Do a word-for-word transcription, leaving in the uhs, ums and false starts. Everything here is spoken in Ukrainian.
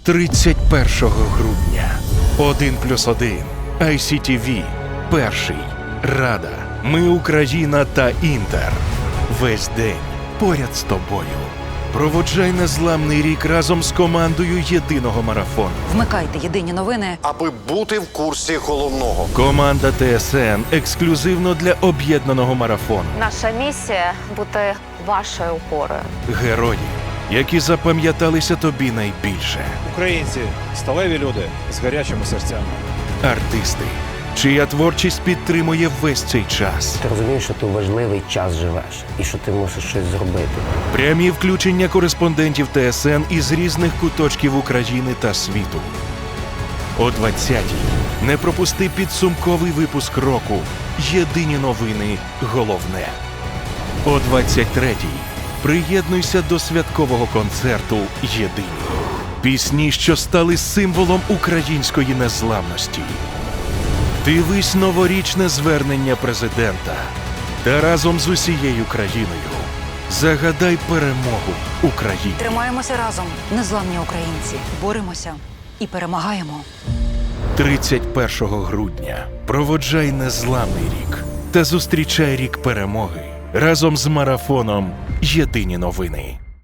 тридцять першого грудня. Один плюс один. ай сі ті ві. Перший. Рада. Ми Україна та Інтер. Весь день поряд з тобою. Проводжай незламний рік разом з командою єдиного марафону. Вмикайте єдині новини, аби бути в курсі головного. Команда Т С Н ексклюзивно для об'єднаного марафону. Наша місія – бути вашою опорою. Герої, які запам'яталися тобі найбільше. Українці – сталеві люди з гарячими серцями. Артисти, чия творчість підтримує весь цей час. Ти розумієш, що ти у важливий час живеш і що ти мусиш щось зробити. Прямі включення кореспондентів Т С Н із різних куточків України та світу. О двадцятій не пропусти підсумковий випуск року «Єдині новини. Головне». О двадцять третій приєднуйся до святкового концерту «Єдині». Пісні, що стали символом української незламності. Дивись новорічне звернення президента та разом з усією країною загадай перемогу України. тримаємося разом, незламні українці, боремося і перемагаємо. тридцять першого грудня проводжай незламний рік та зустрічай рік перемоги разом з марафоном «Єдині новини».